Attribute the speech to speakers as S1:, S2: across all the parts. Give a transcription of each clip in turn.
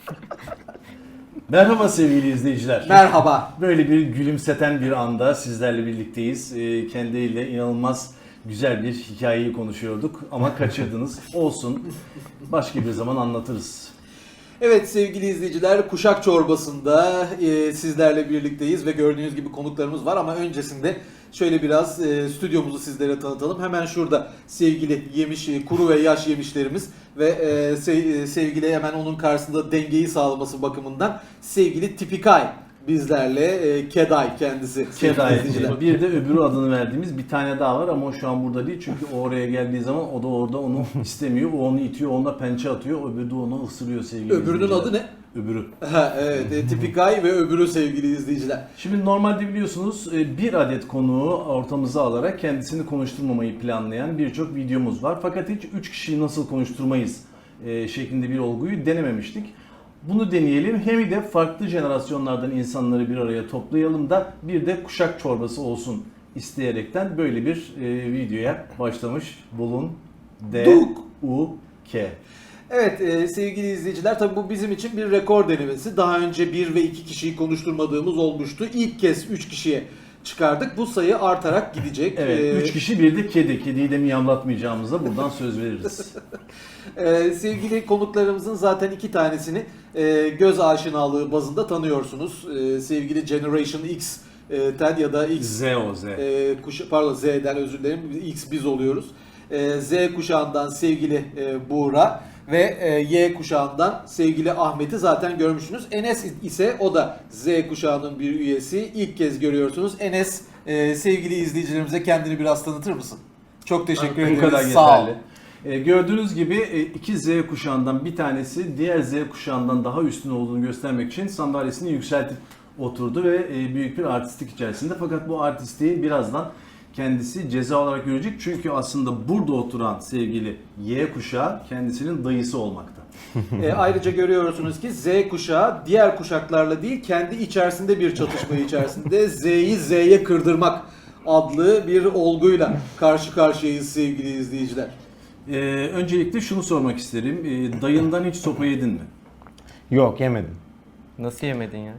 S1: Merhaba sevgili izleyiciler.
S2: Merhaba.
S1: Böyle bir gülümseten bir anda sizlerle birlikteyiz. Kendileriyle inanılmaz güzel bir hikayeyi konuşuyorduk ama kaçırdınız. Olsun. Başka bir zaman anlatırız.
S2: Evet sevgili izleyiciler, Kuşak Çorbası'nda sizlerle birlikteyiz ve gördüğünüz gibi konuklarımız var ama öncesinde şöyle biraz stüdyomuzu sizlere tanıtalım. Hemen şurada sevgili yemiş, kuru ve yaş yemişlerimiz ve sevgili hemen onun karşısında dengeyi sağlaması bakımından sevgili Tipikay bizlerle, Keday kendisi.
S1: Keday.
S2: izleyiciler.
S1: Bir de öbürü adını verdiğimiz bir tane daha var ama o şu an burada değil. Çünkü o oraya geldiği zaman o da orada onu istemiyor. O onu itiyor, onunla pençe atıyor. Öbürü de onu ısırıyor sevgili
S2: Öbürünün
S1: izleyiciler.
S2: adı ne?
S1: Öbürü.
S2: Evet, Tipikay ve öbürü sevgili izleyiciler.
S1: Şimdi normalde biliyorsunuz bir adet konuğu ortamıza alarak kendisini konuşturmamayı planlayan birçok videomuz var. Fakat hiç 3 kişiyi nasıl konuşturmayız şeklinde bir olguyu denememiştik. Bunu deneyelim. Hem de farklı jenerasyonlardan insanları bir araya toplayalım da bir de kuşak çorbası olsun isteyerekten böyle bir videoya başlamış bulunduk.
S2: Evet sevgili izleyiciler, tabii bu bizim için bir rekor denemesi. Daha önce 1 ve 2 kişiyi konuşturmadığımız olmuştu. İlk kez 3 kişiye çıkardık. Bu sayı artarak gidecek.
S1: Evet, 3 kişi bir de kedi. Kediyi de miyavlatmayacağımıza buradan söz veririz.
S2: Sevgili konuklarımızın zaten 2 tanesini göz aşinalığı bazında tanıyorsunuz. Sevgili Generation X ya da X
S1: Z o Z.
S2: pardon Z'den özür dilerim. X biz oluyoruz. Z kuşağından sevgili Buğra ve Y kuşağından sevgili Ahmet'i zaten görmüşsünüz. Enes ise o da Z kuşağının bir üyesi. İlk kez görüyorsunuz. Enes, sevgili izleyicilerimize kendini biraz tanıtır mısın? Çok teşekkür
S1: Bu
S2: ederiz.
S1: kadar
S2: Sağ ol.
S1: yeterli. Gördüğünüz gibi iki Z kuşağından bir tanesi diğer Z kuşağından daha üstün olduğunu göstermek için sandalyesini yükseltip oturdu ve büyük bir artistlik içerisinde. Fakat bu artistliği birazdan kendisi ceza olarak görecek. Çünkü aslında burada oturan sevgili Y kuşağı kendisinin dayısı olmakta.
S2: Ayrıca görüyorsunuz ki Z kuşağı diğer kuşaklarla değil kendi içerisinde bir çatışma içerisinde Z'yi Z'ye kırdırmak adlı bir olguyla karşı karşıyayız sevgili izleyiciler.
S1: Öncelikle şunu sormak isterim. Dayından hiç sopa yedin mi?
S3: Yok, yemedim.
S4: Nasıl yemedin ya?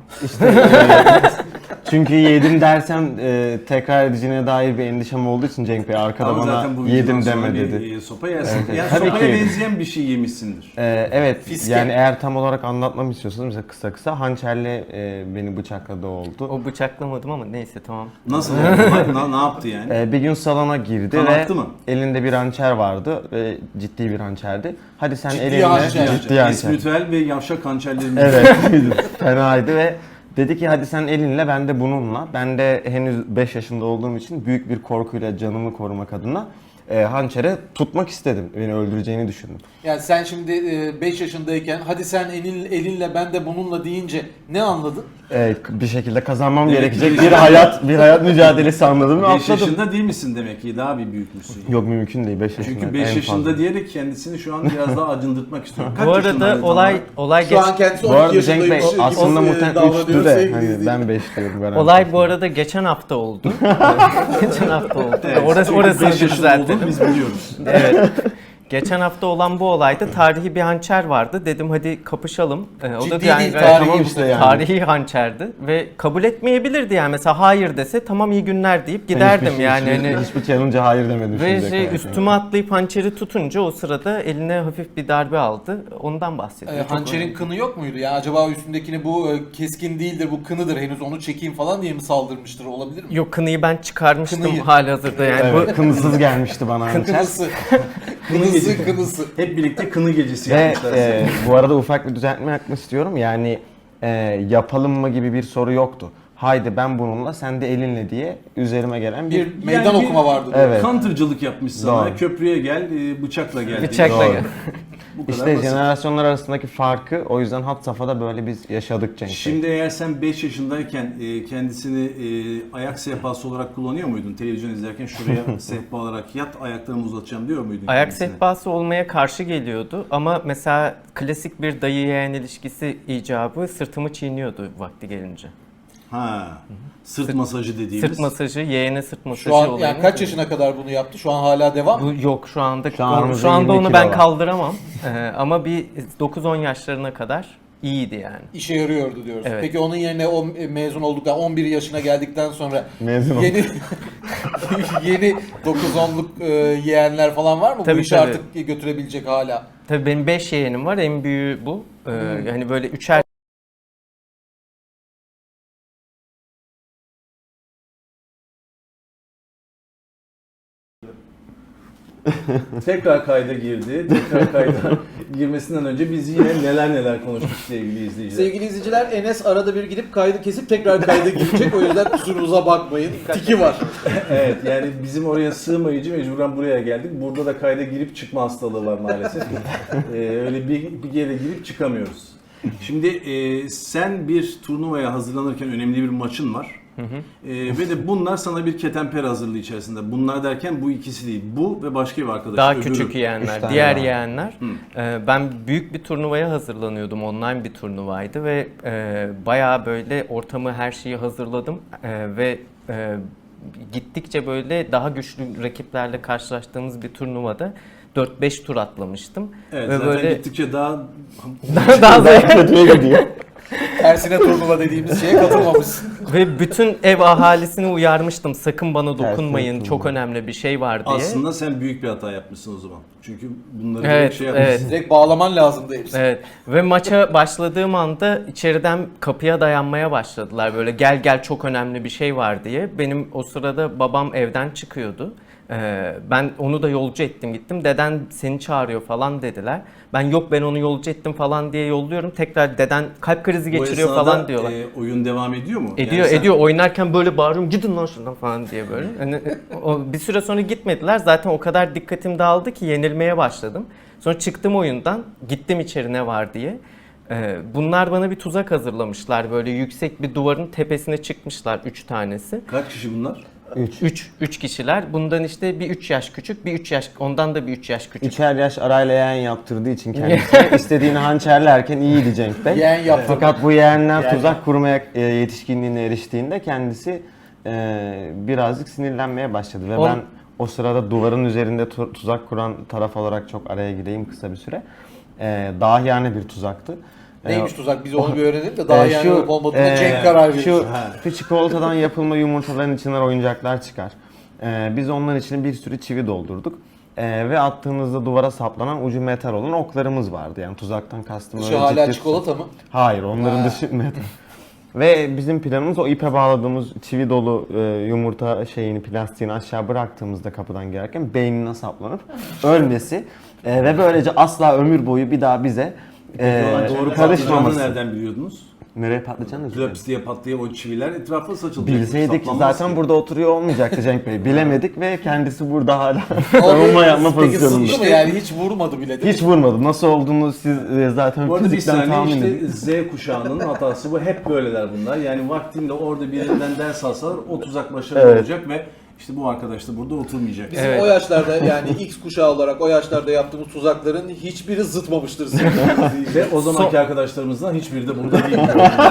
S3: Çünkü yedim dersem tekrar edeceğine dair bir endişem olduğu için Cenk Bey arkada
S1: Ama
S3: bana
S1: zaten bu
S3: yedim
S1: videodan sonra
S3: deme
S1: bir,
S3: dedi.
S1: sopa yersin.
S3: Evet,
S1: Yani
S3: tabii ki
S1: sopaya
S3: yedim.
S1: benzeyen bir şey yemişsindir.
S3: Evet,
S2: Fiske.
S3: yani eğer tam olarak anlatmamı istiyorsanız mesela kısa hançerle beni bıçakladı oldu.
S4: O bıçaklamadım ama neyse tamam.
S1: Nasıl oldu? Ne yaptı yani?
S3: Bir gün salona girdi
S1: Kan
S3: ve
S1: aktı mı?
S3: elinde bir hançer vardı ve ciddi bir hançerdi. Hadi sen
S2: Ciddi
S3: elinle
S2: hançer.
S3: ciddi hançer.
S1: Esmitüel ve yavşak hançerlerimiz.
S3: Evet, fenaydı ve dedi ki hadi sen elinle ben de bununla. Ben de henüz 5 yaşında olduğum için büyük bir korkuyla canımı korumak adına hançere tutmak istedim. Beni öldüreceğini düşündüm.
S2: Yani sen şimdi 5 yaşındayken hadi sen elinle ben de bununla deyince ne anladın?
S3: Bir şekilde kazanmam
S1: Demek
S3: gerekecek
S1: ki-
S3: bir hayat mücadelesi anladım ve
S1: 5
S3: atladım.
S1: yaşında değil misin demek ki? Daha bir büyükmüşsün.
S3: Yok, mümkün değil 5 yaşında.
S1: Çünkü 5
S3: en
S1: yaşında
S3: fazla.
S1: diyerek kendisini şu an biraz daha acındırtmak istiyorum. Kaç
S4: Bu arada
S1: yaşındaydın
S4: olay
S2: Şu an kendisi
S3: Bu
S2: 12
S3: arada Cenk Bey
S2: yaşındaymış gibi
S3: aslında muhtemelen
S2: davranıyor
S3: 3'tü de
S2: sevgili
S3: hani
S2: izleyiciler.
S3: ben 5 diyorum. Ben
S4: olay bu arada geçen hafta oldu. Geçen hafta oldu.
S1: Evet,
S4: Orası
S1: 5 yaşında
S4: düzeltelim.
S1: olduğunu biz biliyoruz.
S4: Evet. Geçen hafta olan bu olayda tarihi bir hançer vardı. Dedim hadi kapışalım. O
S2: Ciddi
S4: da
S2: değil,
S4: gayet
S2: tarihi
S3: işte yani.
S4: tarihi hançerdi ve kabul etmeyebilirdi yani. Mesela hayır dese tamam iyi günler deyip giderdim yani. Hani
S3: Hiçbir challenge'a hayır demedim
S4: ve
S3: şimdiye kadar.
S4: üstüme atlayıp hançeri tutunca o sırada eline hafif bir darbe aldı. Ondan bahsediyor. Çok
S2: Hançerin
S4: önemli.
S2: kını yok muydu? Ya acaba üstündekini bu keskin değildir, bu kınıdır, henüz onu çekeyim falan diye mi saldırmıştır, olabilir mi?
S4: Yok, kınıyı ben çıkarmıştım
S2: Kınıyı.
S4: halihazırda yani.
S3: Evet, kınısız gelmişti bana hançer.
S2: Kınısı. Kınısı.
S1: Hep birlikte kını gecesi
S3: Ve
S1: yapmışlar.
S3: bu arada ufak bir düzeltme yapmak istiyorum. Yani yapalım mı gibi bir soru yoktu. Haydi ben bununla sen de elinle diye üzerime gelen bir...
S2: Bir meydan
S1: bir-
S2: okuma vardı.
S3: Evet.
S1: Counter'cılık yapmış sana.
S3: Doğru.
S1: Köprüye gel, bıçakla gel.
S4: Bıçakla
S3: Doğru.
S4: gel.
S1: Bu kadar
S3: İşte
S1: basit.
S3: jenerasyonlar arasındaki farkı o yüzden had safhada böyle biz yaşadık Cenk Bey.
S1: Şimdi eğer sen 5 yaşındayken kendisini ayak sehpası olarak kullanıyor muydun? Televizyon izlerken şuraya sehpa olarak yat, ayaklarımı uzatacağım diyor muydun?
S4: Ayak
S1: kendisine?
S4: sehpası olmaya karşı geliyordu ama mesela klasik bir dayı yeğen ilişkisi icabı sırtımı çiğniyordu vakti gelince.
S1: Ha. Sırt masajı dediğimiz.
S4: Sırt masajı, yeğene sırt masajı
S2: Şu an
S4: olayını-
S2: yani kaç yaşına kadar bunu yaptı? Şu an hala devam mı?
S4: Bu yok şu anda
S3: Şu an aramızda
S4: şu anda
S3: 22
S4: onu ben
S3: kilo var.
S4: kaldıramam. Ama bir 9-10 yaşlarına kadar iyiydi yani.
S2: İşe yarıyordu diyoruz.
S4: Evet.
S2: Peki onun yerine o mezun olduktan 11 yaşına geldikten sonra
S3: Mezun
S2: yeni yeni 9-10'luk yeğenler falan var mı? Bu
S4: Tabii,
S2: işi
S4: tabii.
S2: artık götürebilecek hala.
S4: Tabii benim 5 yeğenim var. En büyüğü bu. Yani böyle üçer
S1: Tekrar kayda girdi. Tekrar kayda girmesinden önce biz yine neler konuştuk sevgili izleyiciler.
S2: Sevgili izleyiciler, Enes arada bir gidip kaydı kesip tekrar kayda girecek. O yüzden kusurumuza bakmayın. Tiki var.
S1: Evet, yani bizim oraya sığmayıcı mecburen buraya geldik. Burada da kayda girip çıkma hastalığı var maalesef. Öyle bir yere girip çıkamıyoruz. Şimdi sen bir turnuvaya hazırlanırken önemli bir maçın var. Ve de bunlar sana bir ketenper hazırlığı içerisinde. Bunlar derken bu ikisi değil. Bu ve başka bir arkadaş.
S4: daha
S1: öbürü.
S4: küçük
S3: Üç
S4: yeğenler,
S3: tane
S4: diğer
S3: var.
S4: yeğenler. Ben büyük bir turnuvaya hazırlanıyordum. Online bir turnuvaydı ve bayağı böyle ortamı, her şeyi hazırladım ve gittikçe böyle daha güçlü rakiplerle karşılaştığımız bir turnuvada 4-5 tur atlamıştım.
S1: Evet,
S4: ve
S1: zaten
S4: böyle
S1: gittikçe daha
S4: daha zevkli.
S3: kötüye gidiyor.
S2: Tersine turnuva dediğimiz şeye katılmamışsın.
S4: Ve bütün ev ahalisini uyarmıştım. Sakın bana dokunmayın.
S3: Tersine
S4: Çok önemli bir şey var diye.
S1: aslında sen büyük bir hata yapmışsın o zaman. Çünkü bunları
S4: Evet,
S1: direkt şey yapmışsın.
S4: evet.
S2: Direkt bağlaman lazımdı hepsini.
S4: Evet ve maça başladığım anda içeriden kapıya dayanmaya başladılar. Böyle gel çok önemli bir şey var diye. Benim o sırada babam evden çıkıyordu. Ben onu da yolcu ettim gittim. Deden seni çağırıyor falan dediler. Ben yok ben onu yolcu ettim falan diye yolluyorum. Tekrar deden kalp krizi
S1: Bu
S4: geçiriyor
S1: esnada,
S4: falan diyorlar.
S1: oyun devam ediyor mu?
S4: Ediyor
S1: Yani sen-
S4: ediyor oynarken böyle bağırıyorum gidin lan şuradan falan diye böyle. Yani, bir süre sonra gitmediler zaten o kadar dikkatim dağıldı ki yenilmeye başladım. Sonra çıktım oyundan gittim içeri ne var diye. Bunlar bana bir tuzak hazırlamışlar böyle yüksek bir duvarın tepesine çıkmışlar 3 tanesi.
S1: Kaç kişi bunlar?
S4: 3 kişiler bundan işte bir 3 yaş küçük bir 3 yaş ondan da bir 3 yaş küçük.
S3: Üçer yaş arayla yeğen yaptırdığı için kendisi istediğini hançerlerken iyiydi Cenk Bey.
S2: Yeğen yaptı.
S3: Fakat bu yeğenler
S2: Yani.
S3: tuzak kurmaya yetişkinliğine eriştiğinde kendisi birazcık sinirlenmeye başladı ve
S4: On-
S3: ben o sırada duvarın üzerinde tuzak kuran taraf olarak çok araya gireyim kısa bir süre. Dahiyane bir tuzaktı.
S2: Neymiş tuzak? Biz onu bir öğrenelim de daha yani olup olmadığına Cenk karar verir.
S3: Şu çikolatadan yapılma yumurtaların içinden oyuncaklar çıkar. Biz onların içine bir sürü çivi doldurduk. Ve attığımızda duvara saplanan ucu metal olan oklarımız vardı. Yani tuzaktan kastım
S2: Şu
S3: öyle
S2: hala
S3: ciddi-
S2: çikolata mı?
S3: Hayır, onların
S2: Ha.
S3: dışı metal. Ve bizim planımız o ipe bağladığımız çivi dolu yumurta plastiğini aşağı bıraktığımızda kapıdan girerken beynine saplanıp ölmesi ve böylece asla ömür boyu bir daha bize
S1: Doğru patlayacağını
S3: karışmaması.
S1: nereden biliyordunuz?
S3: Nereye patlayacağını da
S1: Klaps diye patlayan o çiviler etrafa saçılacak.
S3: bilseydik
S1: Saplanmaz
S3: zaten
S1: ki.
S3: burada oturuyor olmayacaktı Cenk Bey. Bilemedik ve kendisi burada hala
S2: O
S3: savunma yapma
S2: Peki
S3: pozisyonunda.
S2: sıçtı mı yani? Hiç vurmadı bile değil mi?
S3: Hiç vurmadı. Nasıl olduğunu siz zaten
S1: Bu arada bir
S3: fizikten
S1: saniye
S3: tahmin
S1: işte
S3: edin.
S1: Z kuşağının hatası bu. Hep böyleler bunlar. Yani vaktinde orada birinden ders alsalar o tuzak başarılı
S3: Evet.
S1: olacak ve işte bu arkadaş da burada oturmayacak.
S2: Bizim
S4: Evet.
S2: o yaşlarda yani X kuşağı olarak o yaşlarda yaptığımız tuzakların hiçbiri zıtmamıştır sevgili izleyiciler.
S1: Ve o zamanki arkadaşlarımızdan hiçbiri de burada değil.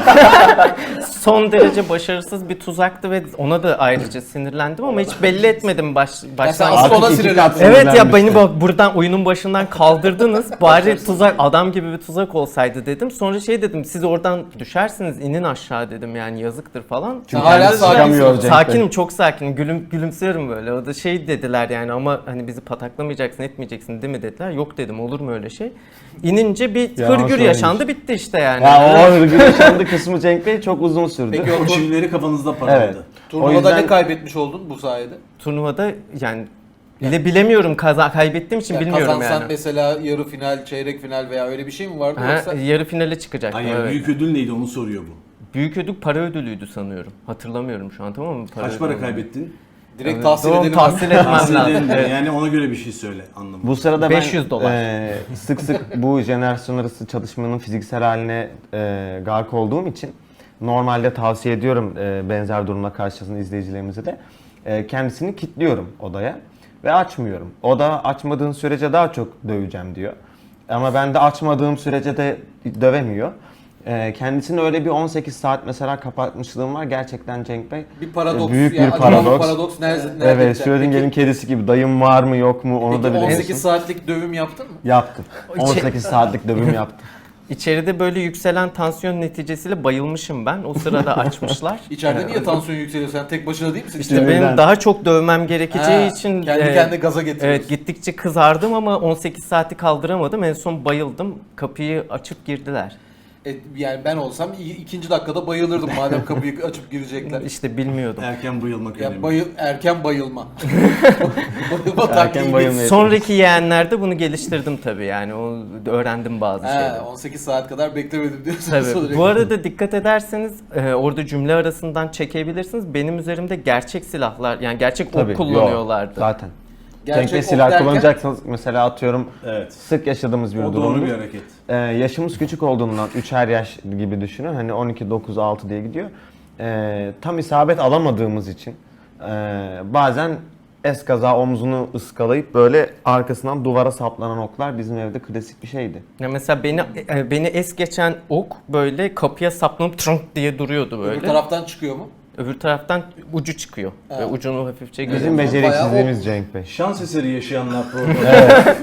S4: Son derece başarısız bir tuzaktı ve ona da ayrıca sinirlendim ama hiç belli etmedim
S2: sen
S4: baştan.
S2: asıl
S3: Artık
S2: ona
S3: iki
S2: sinirlendin.
S3: kat
S4: Evet ya
S3: sinirlenmişti.
S4: beni bak buradan oyunun başından kaldırdınız. Bari tuzak adam gibi bir tuzak olsaydı dedim. Sonra şey dedim siz oradan düşersiniz inin aşağı dedim yani yazıktır falan.
S2: Sen hala
S3: Kendisi
S2: sakinsin.
S3: çıkamıyor Cenk Bey.
S4: Sakinim çok sakinim gülümsüyorum böyle. O da şey dediler yani ama hani bizi pataklamayacaksın etmeyeceksin değil mi dediler. Yok dedim olur mu öyle şey. İnince bir
S3: Ya,
S4: hırgür
S3: söyleyeyim.
S4: yaşandı bitti işte yani.
S3: Ya o hırgür yaşandı kısmı Cenk Bey çok uzun sürdü.
S2: Peki
S1: O çivileri kafanızda parladı.
S3: Evet.
S2: Turnuvada
S3: O yüzden-
S2: ne kaybetmiş oldun bu sayede?
S4: Turnuvada yani bilemiyorum kaybettiğim için
S2: Yani
S4: bilmiyorum
S2: kazansan
S4: yani.
S2: mesela yarı final, çeyrek final veya öyle bir şey mi vardı
S4: Ha,
S2: yoksa?
S4: yarı finale çıkacaktım.
S1: Ay, yani
S4: evet.
S1: büyük ödül neydi onu soruyor bu.
S4: Büyük ödül para ödülüydü sanıyorum. Hatırlamıyorum şu an tamam mı?
S1: Kaç
S4: ödülü
S1: para
S4: olan.
S1: kaybettin?
S2: Direkt
S4: Evet,
S2: tahsil
S4: doğru,
S2: edelim.
S4: tahsil etmem
S1: Tahsil
S4: lazım.
S1: edelim de,
S4: Evet.
S1: yani ona göre bir şey söyle anlamı.
S3: Bu sırada
S4: 500 dolar.
S3: sık sık bu jenerasyon arası çalışmanın fiziksel haline gark olduğum için normalde tavsiye ediyorum benzer durumla karşılaşan izleyicilerimize de kendisini kilitliyorum odaya ve açmıyorum. O da açmadığın sürece daha çok döveceğim diyor. Ama ben de açmadığım sürece de dövemiyor. Kendisini öyle bir 18 saat mesela kapatmışlığım var gerçekten Cenk Bey.
S2: Bir paradoks.
S3: Büyük
S2: ya,
S3: bir
S2: acaba bu
S3: paradoks.
S2: paradoks nerede
S3: Evet,
S2: biter?
S3: Schrödinger'in kedisi gibi dayım var mı yok mu onu
S2: Peki
S3: da bilemiyorsun.
S2: 18 saatlik dövüm yaptın mı?
S3: Yaptım.
S4: Şey-
S3: 18 saatlik dövüm yaptım.
S4: İçeride böyle yükselen tansiyon neticesiyle bayılmışım ben. O sırada açmışlar.
S2: İçeride niye tansiyon yükseliyor? Sen tek başına değil misin?
S4: İşte
S3: Sinirden.
S4: benim daha çok dövmem gerekeceği için
S2: kendi kendine gaza getiriyorsun.
S4: evet, gittikçe kızardım ama 18 saati kaldıramadım. En son bayıldım. Kapıyı açıp girdiler.
S2: Yani ben olsam ikinci dakikada bayılırdım madem kapıyı açıp girecekler.
S4: İşte bilmiyordum.
S1: Erken bayılmak önemli.
S2: Erken bayılma. Bayılma
S3: Erken
S2: taktiği.
S3: bayılma.
S4: Sonraki yeğenlerde bunu geliştirdim tabii, yani o öğrendim bazı şeyleri.
S2: 18 saat kadar beklemedim diyorsun.
S4: Tabii. Bu arada dikkat ederseniz orada cümle arasından çekebilirsiniz. Benim üzerimde gerçek silahlar, yani gerçek
S3: Tabii,
S4: ok kullanıyorlardı.
S3: Zaten.
S2: Gerçek
S3: Cenk'le
S2: ok
S3: silah
S2: derken-
S3: kullanacaksanız mesela atıyorum
S1: Evet.
S3: sık yaşadığımız bir
S1: O
S3: durum.
S1: doğru bir hareket.
S3: Yaşımız küçük olduğundan 3'er yaş gibi düşünün. Hani 12, 9, 6 diye gidiyor. Tam isabet alamadığımız için bazen eskaza omzunu ıskalayıp böyle arkasından duvara saplanan oklar bizim evde klasik bir şeydi.
S4: Ya mesela beni es geçen ok böyle kapıya saplanıp trunk diye duruyordu böyle.
S2: Öbür taraftan çıkıyor mu?
S4: Öbür taraftan ucu çıkıyor. Ve ucunu hafifçe
S3: Bizim
S4: görüyorum.
S3: beceriksizliğimiz Cenk Bey.
S1: Şans eseri yaşayanlar programı.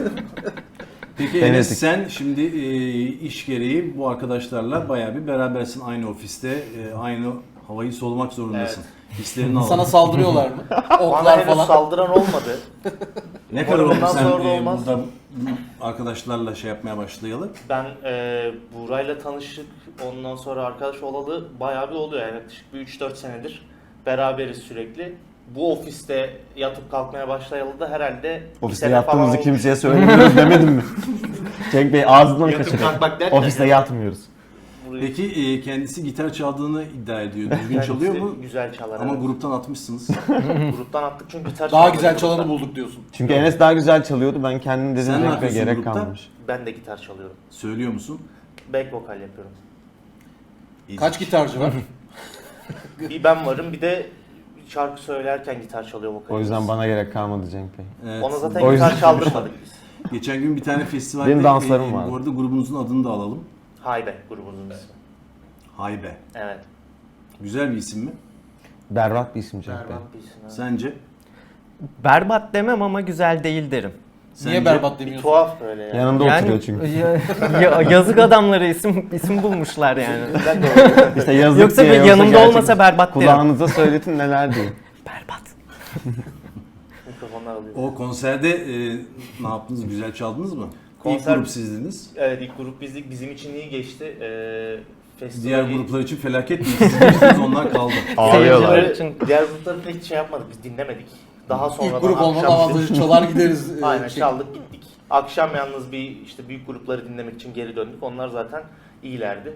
S1: Peki Enes,
S3: Denedik.
S1: sen şimdi iş gereği bu arkadaşlarla bayağı bir berabersin aynı ofiste, aynı havayı solumak zorundasın. Hislerini alalım.
S2: Sana saldırıyorlar mı?
S5: Bana
S2: Oklar
S5: henüz
S2: falan.
S5: saldıran olmadı.
S1: Ne kadar oldu
S5: Bundan
S1: sen
S5: sonra da olmaz.
S1: burada arkadaşlarla şey yapmaya başlayalı?
S5: Ben Buğra'yla tanıştık, ondan sonra arkadaş olalı bayağı bir oluyor. Yani yaklaşık bir 3-4 senedir beraberiz sürekli. Bu ofiste yatıp kalkmaya başlayalı da herhalde bir
S3: Ofiste
S5: sene falan
S3: yattığımızı
S5: olmuş.
S3: kimseye söylemiyoruz demedim mi? Cenk Bey ağzından
S5: Yatıp
S3: kaçırıyor.
S5: kalkmak derken
S3: Ofiste
S5: yani.
S3: yatmıyoruz.
S5: Burayı-
S1: Peki kendisi gitar çaldığını iddia ediyor. Düzgün
S5: Kendisi
S1: çalıyor mu?
S5: Güzel çalar.
S1: Ama
S5: evet.
S1: gruptan atmışsınız.
S5: Gruptan attık çünkü gitar
S2: Daha
S5: çalmayı
S2: güzel
S5: gruptan-
S2: çalanı bulduk diyorsun.
S3: Çünkü Enes daha güzel çalıyordu. Ben kendim dedim
S1: Sen ne
S3: Cenk Bey
S1: yapıyorsun
S3: gerek
S1: grupta?
S3: kalmamış.
S5: Ben de gitar çalıyorum.
S1: Söylüyor musun?
S5: Back vokal yapıyorum.
S2: Kaç gitarcı var?
S5: Bir ben varım, bir de şarkı söylerken gitar çalıyor vokal.
S3: O yüzden bana gerek kalmadı Cenk Bey.
S1: Evet.
S5: Ona zaten
S3: O
S5: gitar
S3: yüzden-
S5: çaldırmadık biz.
S1: Geçen gün bir tane festivalde
S3: Benim danslarım vardı.
S1: bu arada grubunuzun adını da alalım.
S5: Haybe grubumuzun ismi.
S1: Haybe.
S5: Evet.
S1: Güzel bir isim mi?
S3: Berbat bir isim Cenk Bey.
S5: Berbat bir isim. evet.
S1: Sence?
S4: Berbat demem ama güzel değil derim.
S2: Niye
S1: Sence?
S2: berbat
S5: Bir
S2: demiyorsun?
S5: tuhaf böyle yani.
S3: Yanında oturuyor çünkü.
S4: Yazık adamları isim bulmuşlar yani.
S5: Ben de öyle.
S3: İşte yazık
S4: Yoksa
S3: diye,
S4: yanımda
S3: gerçek-
S4: olmasa berbat derim.
S3: Kulağınıza söyletin neler diyeyim.
S4: Berbat.
S5: Mikrofonlar alıyor.
S1: O konserde ne yaptınız? Güzel çaldınız mı?
S5: Konser-
S1: İlk grup sizdiniz.
S5: Evet, ilk grup bizdik. Bizim için iyi geçti. Festivali...
S1: Diğer gruplar için felaket değil. Siz geçtiniz, onlar kaldı.
S3: Ağlıyorlar.
S4: Seyirciler için
S5: Diğer grupları pek şey yapmadık, biz dinlemedik. Daha sonra
S2: İlk grup olmanın avantajı çalar gideriz.
S5: Aynen
S2: şey.
S5: çaldık gittik. Akşam yalnız bir işte büyük grupları dinlemek için geri döndük. Onlar zaten iyilerdi.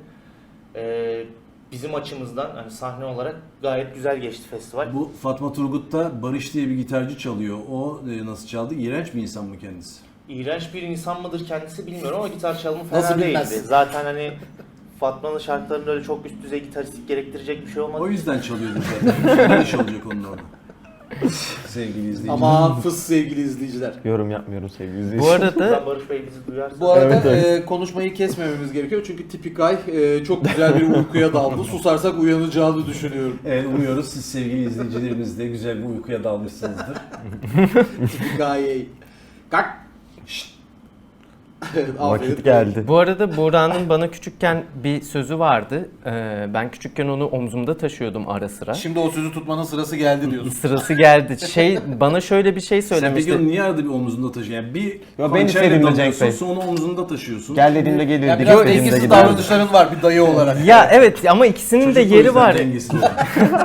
S5: Bizim açımızdan hani sahne olarak gayet güzel geçti festival.
S1: Bu Fatma Turgut'ta Barış diye bir gitarcı çalıyor. O nasıl çaldı? İğrenç bir insan mı kendisi?
S5: İğrenç bir insan mıdır kendisi bilmiyorum ama gitar çalımı fena
S2: Nasıl
S5: değildi.
S2: bilmez?
S5: Zaten hani Fatma'nın şarkılarında öyle çok üst düzey gitaristlik gerektirecek bir şey olmadı.
S1: O yüzden çalıyordu zaten. Ne iş olacak onun orada? Sevgili izleyiciler.
S2: Ama fıs sevgili izleyiciler.
S3: Yorum yapmıyorum sevgili
S4: bu
S3: izleyiciler.
S4: arada
S5: Buradan Barış Bey bizi duyarsa.
S2: Bu arada
S3: Evet,
S2: konuşmayı kesmememiz gerekiyor çünkü Tipikay çok güzel bir uykuya daldı. Susarsak uyanacağını düşünüyorum.
S1: Evet, umuyoruz siz sevgili izleyicilerimiz de güzel bir uykuya dalmışsınızdır.
S2: Tipikay. Kalk. Şşt. Aferin.
S3: Vakit geldi.
S4: bu arada Buğra'nın bana küçükken bir sözü vardı. Ben küçükken onu omzumda taşıyordum ara sıra.
S2: Şimdi o sözü tutmanın sırası geldi diyorsun.
S4: Sırası geldi. Bana şöyle bir şey
S1: Sen peki
S4: söylemişti.
S1: onu niye arada bir omzunda taşıyorsun? Yani bir
S3: ben
S1: hançerle
S3: istediğimde Cenk
S1: dalıyorsun,
S3: Bey.
S1: sonra omzunda taşıyorsun.
S3: Gel dediğimde gelirdi.
S2: Ya
S3: git
S2: biraz
S3: dediğimde
S2: dengesiz
S3: giderdi.
S2: davranışların var bir dayı olarak.
S4: Ya evet, ama ikisinin
S1: Çocuk
S4: de
S1: o
S4: yeri
S1: yüzden
S4: var.
S1: dengesiz oluyor.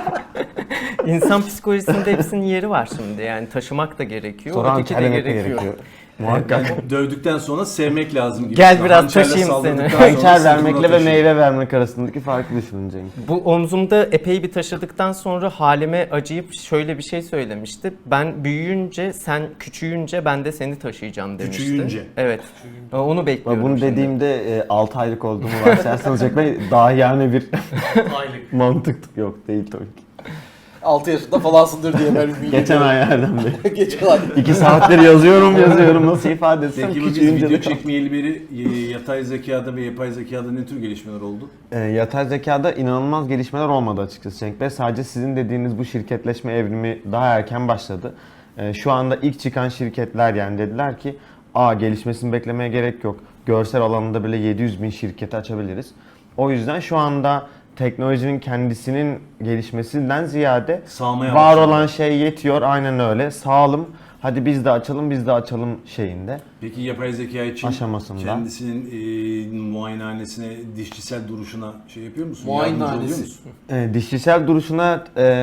S4: İnsan psikolojisinde hepsinin yeri var şimdi. Yani taşımak da gerekiyor.
S3: Sonra
S4: öteki de
S3: hançerlemek de gerekiyor. Muhakkak.
S1: Yani dövdükten sonra sevmek lazım gibi.
S4: Gel biraz
S1: Hançerle
S4: taşıyayım
S1: saldırdıktan
S4: seni.
S1: sonra
S3: Hançer
S1: sırtına
S3: vermekle ve
S1: taşıyor.
S3: meyve vermek arasındaki farkı düşünün Cenk.
S4: Bu omzumda epey bir taşıdıktan sonra halime acıyıp şöyle bir şey söylemişti. Ben büyüyünce, sen küçüğünce ben de seni taşıyacağım demişti.
S1: Küçüğünce.
S4: Evet. Onu bekliyorum
S3: Bunu
S4: şimdi.
S3: dediğimde 6 aylık olduğumu varsayarsanız Cenk Bey daha yani bir
S5: Aylık.
S3: mantık yok değil tabii ki.
S2: 6 yaşında falansındır diye ben ümit
S3: Geçen ay Erdem Bey.
S2: Geçen ay.
S3: 2 saattir yazıyorum nasıl ifade etsem
S1: Peki bu biz
S3: küçüğünce
S1: video
S3: de
S1: çekmeyeli beri yatay zekada ve yapay zekada ne tür gelişmeler oldu?
S3: Yatay zekada inanılmaz gelişmeler olmadı açıkçası Cenk Bey. Sadece sizin dediğiniz bu şirketleşme evrimi daha erken başladı. Şu anda ilk çıkan şirketler yani dediler ki gelişmesini beklemeye gerek yok. Görsel alanında bile 700 bin şirketi açabiliriz. O yüzden şu anda teknolojinin kendisinin gelişmesinden ziyade
S1: Sağmaya
S3: var
S1: başladı.
S3: olan şey yetiyor. Aynen öyle. Sağalım. Hadi biz de açalım, biz de açalım şeyinde.
S1: Peki yapay zeka için
S3: Aşamasında.
S1: kendisinin muayenehanesine, dişçisel duruşuna şey yapıyor musun?
S2: Muayenehanesi.
S1: Yardımcı oluyor musun?
S3: Dişçisel duruşuna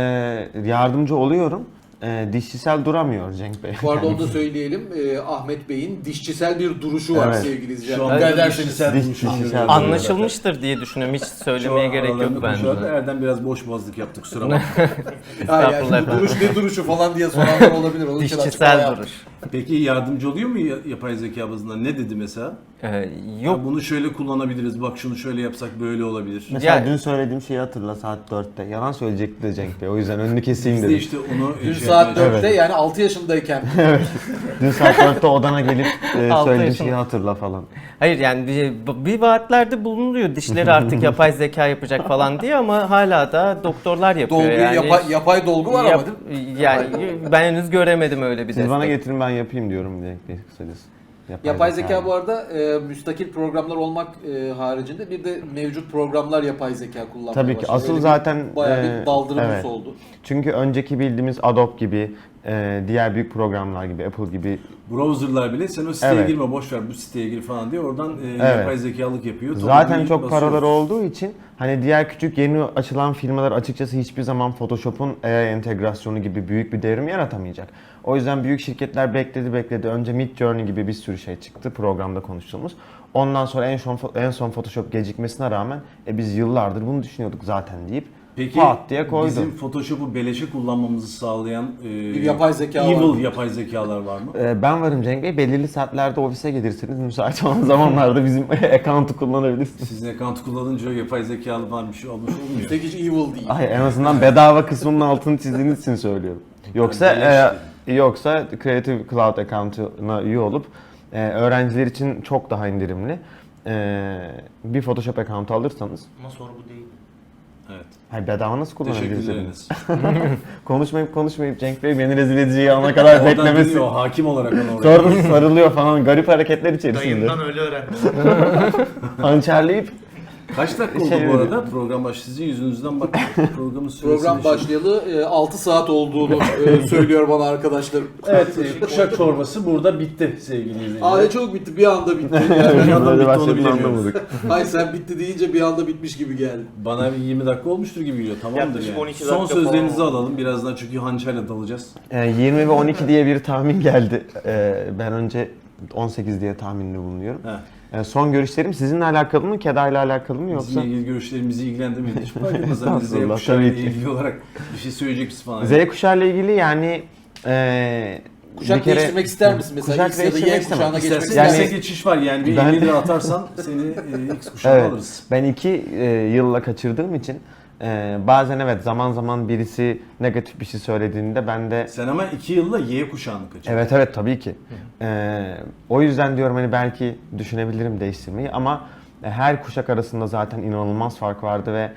S3: yardımcı oluyorum. Dişçisel duramıyor Cenk Bey.
S2: Bu arada onu da söyleyelim. Ahmet Bey'in dişçisel bir duruşu var
S3: Evet.
S2: sevgili izleyiciler.
S1: Şu
S2: Dikkat
S1: anda
S2: ederseniz.
S1: dişçisel
S3: Diş-
S1: duruşu
S3: dişçisel
S1: görüyoruz.
S3: duruşu.
S4: Anlaşılmıştır diye düşünüyorum. Hiç söylemeye gerek yok bence.
S1: Erdem biraz boş boğazlık yaptı, kusura bakma.
S2: Ha, yani
S4: Estağfurullah
S2: bu duruş ne duruşu falan diye soranlar olabilir. Onun için açıklama
S4: Dişçisel
S2: yaptım.
S4: duruş.
S1: Peki yardımcı oluyor mu yapay zeka bazında? Ne dedi mesela?
S4: Yok.
S1: Ya bunu şöyle kullanabiliriz, bak şunu şöyle yapsak böyle olabilir.
S3: Mesela
S4: Ya-
S3: dün söylediğim şeyi hatırla saat 4'te. Yalan söyleyecekti de Cenk Bey. O yüzden önünü keseyim
S1: Biz de
S3: dedim.
S1: işte onu
S2: Dün
S1: şey
S2: saat
S1: yapmaya
S2: 4'te yani 6 yaşındayken
S3: Dün saat 4'te odana gelip
S4: Altı
S3: söylediğim
S4: yaşında.
S3: şeyi hatırla falan.
S4: Hayır yani bir vaatlerde bulunuyor dişleri artık yapay zeka yapacak falan diye ama hala da doktorlar yapıyor
S2: dolgu,
S4: yani.
S2: yapay dolgu var ama değil mi?
S4: Yani ben henüz göremedim öyle bir
S3: Siz bana
S4: destek.
S3: getirin ben yapayım diyorum Cenk Bey kısacası.
S2: Yapay zeka bu arada müstakil programlar olmak haricinde bir de mevcut programlar yapay zeka kullanmaya
S3: Tabii ki
S2: başladı.
S3: asıl
S2: Öyle bir
S3: zaten
S2: bayağı bir daldırımız
S3: evet.
S2: oldu.
S3: Çünkü önceki bildiğimiz Adobe gibi, diğer büyük programlar gibi, Apple gibi
S1: browserlar bile sen o siteye
S3: Evet.
S1: girme, boş ver bu siteye gir falan diye oradan
S3: Evet.
S1: yapay zekalık yapıyor.
S3: zaten
S1: Tabii
S3: çok
S1: basıyoruz.
S3: paraları olduğu için hani diğer küçük yeni açılan firmalar açıkçası hiçbir zaman Photoshop'un AI entegrasyonu gibi büyük bir devrim yaratamayacak. O yüzden büyük şirketler bekledi. Önce Midjourney gibi bir sürü şey çıktı programda konuştuğumuz. Ondan sonra en son Photoshop gecikmesine rağmen biz yıllardır bunu düşünüyorduk zaten deyip
S1: Peki
S3: pat diye koydu.
S1: bizim Photoshop'u beleşe kullanmamızı sağlayan
S2: Bir yapay zeka var
S1: evil
S2: mı?
S1: yapay zekalar var mı?
S3: Ben varım Cenk Bey. Belirli saatlerde ofise gelirseniz müsait olan zamanlarda bizim account'u kullanabilirsiniz.
S1: Sizin account kullanınca yapay zekalı var bir şey olmuş olmuyor.
S2: Üstelik hiç evil değil.
S3: Ay, en azından bedava kısmının altını çizdiğiniz için söylüyorum. Yoksa Creative Cloud account'una üye olup öğrenciler için çok daha indirimli. Bir Photoshop account alırsanız
S5: Ama soru bu değil.
S1: Evet.
S3: hayır, bedava nasıl
S1: Teşekkür
S3: kullanabilirsiniz?
S1: ederiz.
S3: Konuşmayıp Cenk Bey beni rezil edeceği ana kadar
S1: Oradan
S3: beklemesi.
S1: dinliyor, hakim olarak onu oraya.
S3: Sonra sarılıyor falan garip hareketler içerisinde.
S5: Dayımdan öyle öğrendim.
S3: Hançerleyip
S1: Kaç dakika oldu
S3: Şey
S1: bu arada? Program başladı. Sizin yüzünüzden bak programın süresini.
S2: Program başlayalı 6 saat olduğunu söylüyor bana arkadaşlarım.
S1: Evet, kuşak çorbası burada bitti sevgili izleyiciler.
S2: Aa çok bitti, bir anda bitti.
S1: Bir yandan
S3: böyle
S1: bitti, onu
S3: başladığını
S1: bilemiyoruz.
S3: anlamadık.
S2: Ay sen bitti deyince bir anda bitmiş gibi geldi.
S1: Bana bir 20 dakika olmuştur gibi geliyor. Tamamdır
S5: Yaklaşık
S1: yani.
S5: 12
S1: Son
S5: dakika
S1: sözlerinizi
S5: falan.
S1: alalım. Birazdan çünkü hançerle dalacağız.
S3: 20 ve 12 diye bir tahmin geldi. Ben önce 18 diye tahminde bulunuyorum.
S1: Heh.
S3: Son görüşlerim sizinle alakalı mı, Keda ile alakalı mı yoksa?
S1: Bizimle ilgili görüşlerimizi ilgilendirmedi. Hiç fark etmez. Hani Z
S3: Estağfurullah,
S1: kuşağı ile
S3: tabii ki.
S1: ilgili olarak bir şey söyleyecek misin falan.
S3: Z kuşağı ile ilgili yani
S2: Kuşak
S3: bir kere-
S2: değiştirmek ister misin? Mesela
S3: Kuşak
S2: X ya da
S3: değiştirmek
S2: Y
S3: istemem.
S2: kuşağına geçmek
S1: İstersen
S2: ister
S3: Yani-
S1: X'e geçiş var yani. Bir
S3: Ben-
S1: 50 lira atarsan seni X kuşağı
S3: Evet,
S1: alırız.
S3: ben 2 yılla kaçırdığım için bazen evet zaman birisi negatif bir şey söylediğinde ben de
S1: Sen ama 2 yılla Y kuşağını kaçırdın.
S3: evet tabii ki. O yüzden diyorum hani belki düşünebilirim değiştirmeyi ama her kuşak arasında zaten inanılmaz fark vardı ve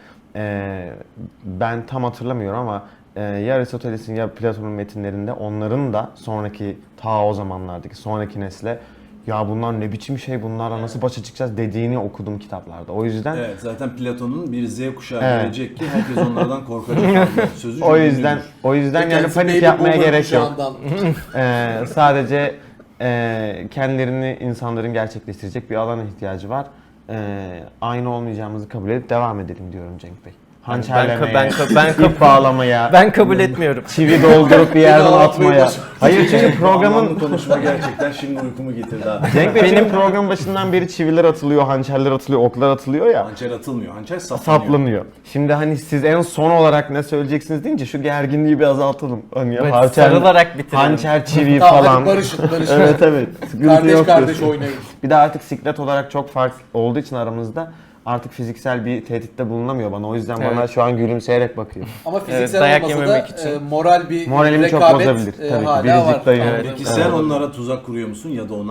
S3: ben tam hatırlamıyorum ama ya Aristoteles'in ya Platon'un metinlerinde onların da sonraki ta o zamanlardaki sonraki nesle ya bunlar ne biçim şey bunlarla nasıl başa çıkacağız dediğini okudum kitaplarda. O yüzden
S1: Evet, zaten Platon'un bir Z kuşağı
S3: Evet.
S1: gelecek ki herkes onlardan korkacak. Sözü
S3: o
S1: çok
S3: yüzden
S1: ünlüdür.
S3: yani
S2: Kendisi
S3: panik
S2: baby
S3: yapmaya
S2: boomer
S3: gerek yok.
S2: kuşağından.
S3: Sadece kendilerini insanların gerçekleştirecek bir alana ihtiyacı var. Aynı olmayacağımızı kabul edip devam edelim diyorum Cenk Bey. Hançerlemeye, ip bağlamaya,
S4: Ben kabul etmiyorum.
S3: çivi doldurup bir yerden
S2: Beni ağlatmaya
S3: atmaya.
S2: başladı.
S3: Hayır çünkü
S1: Bu
S3: programın
S1: anlamlı konuşma gerçekten şimdi uykumu getirdi abi.
S3: Cenk Bey benim program başından beri çiviler atılıyor, hançerler atılıyor, oklar atılıyor ya.
S1: Hançer atılmıyor. Hançer saplanıyor.
S3: Saplanıyor. Şimdi hani siz en son olarak ne söyleyeceksiniz deyince şu gerginliği bir azaltalım. Hani
S4: Evet,
S3: hançer-
S4: sarılarak bitirelim.
S3: Hançer çivi
S2: Tamam
S3: falan.
S2: hadi barışın.
S3: Evet. Sıkıntı
S2: Kardeş
S3: yok
S2: kardeş
S3: diyorsun.
S2: oynayın.
S3: Bir de artık siklet olarak çok fark olduğu için aramızda artık fiziksel bir tehditte bulunamıyor bana. O yüzden bana
S4: Evet.
S3: şu an gülümseyerek bakıyor.
S2: Ama fiziksel
S4: dayak
S2: olmasa da
S4: yememek için.
S2: moral bir
S3: Moralimi çok
S2: rekabet
S3: bozabilir. Tabii ki,
S2: hala
S3: biricik
S2: var.
S3: dayım.
S4: Evet.
S1: Peki
S3: Evet.
S1: sen onlara tuzak kuruyor musun ya da ona?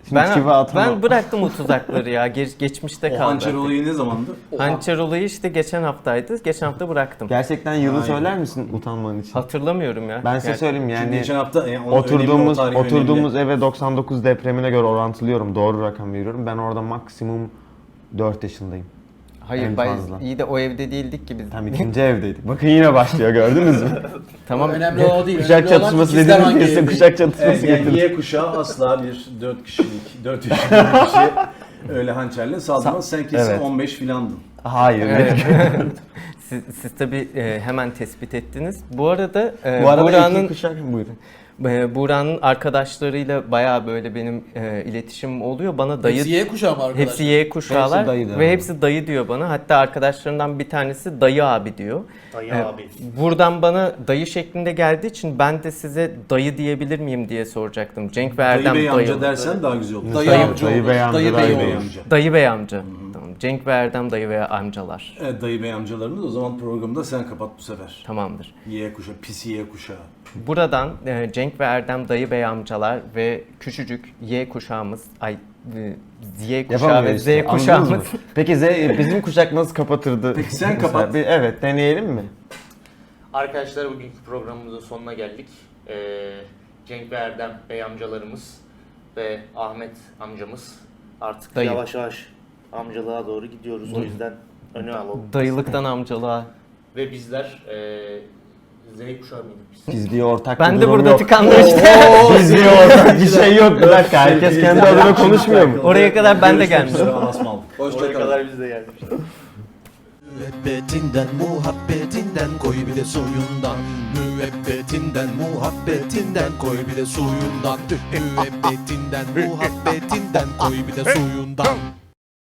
S3: Şimdi çivi atamam.
S4: Ben bıraktım o tuzakları ya. Geçmişte
S1: O
S4: kaldı.
S1: hançer olayı ne zamandı?
S4: Hançer olayı işte geçen haftaydı. Geçen hafta bıraktım.
S3: Gerçekten yılı
S1: Aynen.
S3: söyler misin utanman için?
S4: Hatırlamıyorum ya.
S3: Ben size
S4: Gerçi-
S3: söyleyeyim
S1: Çünkü
S3: yani
S1: geçen hafta onun önemli, o
S3: oturduğumuz
S1: tarih
S3: oturduğumuz
S1: önemli.
S3: eve 99 depremine göre orantılıyorum. Doğru rakam veriyorum. Ben orada maksimum 4 yaşındayım.
S4: Hayır,
S3: en fazla.
S4: iyi de o evde değildik ki biz.
S3: Tam ikinci evdeydik. Bakın yine başlıyor, gördünüz mü?
S4: Tamam.
S2: Önemli o değil.
S3: Kuşak
S2: Önemli olan
S3: çatışması
S2: ikizler
S3: dediğimiz
S2: hangi
S3: kesin
S2: evde?
S3: kuşak çatışması
S1: Evet, yani
S3: getirdi.
S1: Y kuşağı asla bir 4 kişilik, 4 yaşında bir kişi öyle hançerle saldırmaz. Sen kesin
S3: Evet.
S1: 15 filandın.
S3: Hayır.
S4: Evet. Siz tabii hemen tespit ettiniz. Bu arada,
S3: Bu arada
S4: Buğra'nın
S3: iki kuşak buyurun.
S4: Buğra'nın arkadaşlarıyla bayağı böyle benim iletişimim oluyor. Bana dayı
S2: Hepsi Y kuşağı mı arkadaşlar?
S4: hepsi Y kuşağılar
S3: Hepsi dayı diyor
S4: ve
S3: bana.
S4: hepsi dayı diyor bana. Hatta arkadaşlarından bir tanesi dayı abi diyor.
S5: Dayı
S4: Evet.
S5: abi.
S4: Buradan bana dayı şeklinde geldiği için ben de size dayı diyebilir miyim diye soracaktım. Cenk ve
S1: Dayı
S4: Erdem
S1: bey
S4: dayı.
S1: amca dersen daha güzel olur.
S2: Dayı
S3: Dayı-
S2: amca
S3: dayı
S2: olur.
S3: bey amca,
S2: Dayı
S3: dayı
S2: bey
S3: bey
S2: olur.
S1: amca.
S4: Dayı bey amca. Tamam. Cenk ve Erdem dayı ve amcalar.
S1: Evet, dayı bey amcalarını da o zaman programı da sen kapat bu sefer.
S4: Tamamdır.
S1: Y kuşağı, pis Y kuşağı.
S4: Buradan Cenk ve Erdem dayı bey amcalar ve küçücük Y kuşağımız, Y kuşağı
S3: Yapamıyor
S4: ve
S3: işte.
S4: Z
S3: Anladınız mı?
S4: kuşağımız.
S3: Peki bizim kuşak nasıl kapatırdı?
S1: Peki sen
S3: Mesela
S1: kapat.
S3: Evet, deneyelim mi?
S5: Arkadaşlar bugünkü programımızın sonuna geldik. Cenk ve Erdem bey amcalarımız ve Ahmet amcamız artık
S4: Dayı.
S5: yavaş yavaş amcalığa doğru gidiyoruz. O yüzden öne alalım.
S4: Dayılıktan amcalığa.
S5: Ve bizler Z kuşağı mıydık biz?
S3: Biz diye ortak
S4: Ben
S3: bir
S4: de
S3: durum
S4: burada
S3: yok.
S4: tıkandım işte.
S3: Biz diye ortak bir şey yok. Bir dakika, herkes kendi adına konuşmuyor mu?
S4: Oraya kadar ben de
S1: Görüşmek üzere,
S4: gelmişim.
S1: Allah'a ısmarladık.
S5: Oraya
S2: Hoşçakalın.
S5: kadar biz de geldik.
S6: Müebbetinden muhabbetinden koy bir de suyundan. Müebbetinden muhabbetinden koy bir de suyundan. Müebbetinden muhabbetinden koy bir de suyundan.